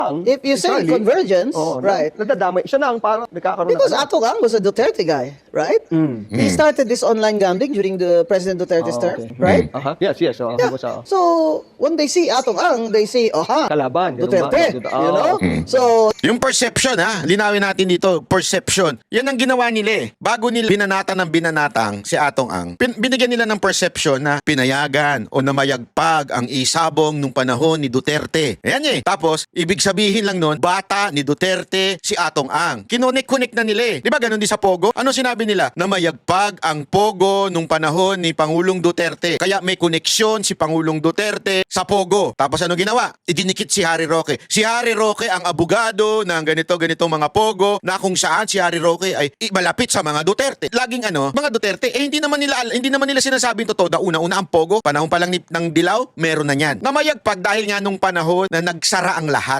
If you say Charlie, convergence, right? Nadadamay. Siya na ang parang nagkakaroon Because ng... Atong Ang was a Duterte guy, right? He started this online gambling during the President Duterte's term, right? Yes. So, Yeah. So when they see Atong Ang, they say, Kalaban. ganun ba? Duterte, you know? So Yung perception ha, linawin natin dito, perception. Yan ang ginawa nila eh. Bago nila binanatan ng binanatang si Atong Ang, binigyan nila ng perception na pinayagan o namayagpag ang isabong nung panahon ni Duterte. Ayan eh. Tapos, ibig sabihin lang nun, bata ni Duterte si Atong Ang. Kinonek-connect na nila eh. Di ba ganun din sa Pogo? Ano sinabi nila? Namayagpag ang Pogo nung panahon ni Pangulong Duterte. Kaya may koneksyon si Pangulong Duterte sa Pogo. Tapos ano ginawa? Idinikit si Harry Roque. Si Harry Roque ang abogado ng ganito mga Pogo na kung saan si Harry Roque ay malapit sa mga Duterte. Laging mga Duterte, hindi naman nila sinasabing totoo. Una-una ang Pogo, panahon pa lang ng Dilaw, meron na yan. Namayagpag dahil nga nung panahon na nagsara ang lahat.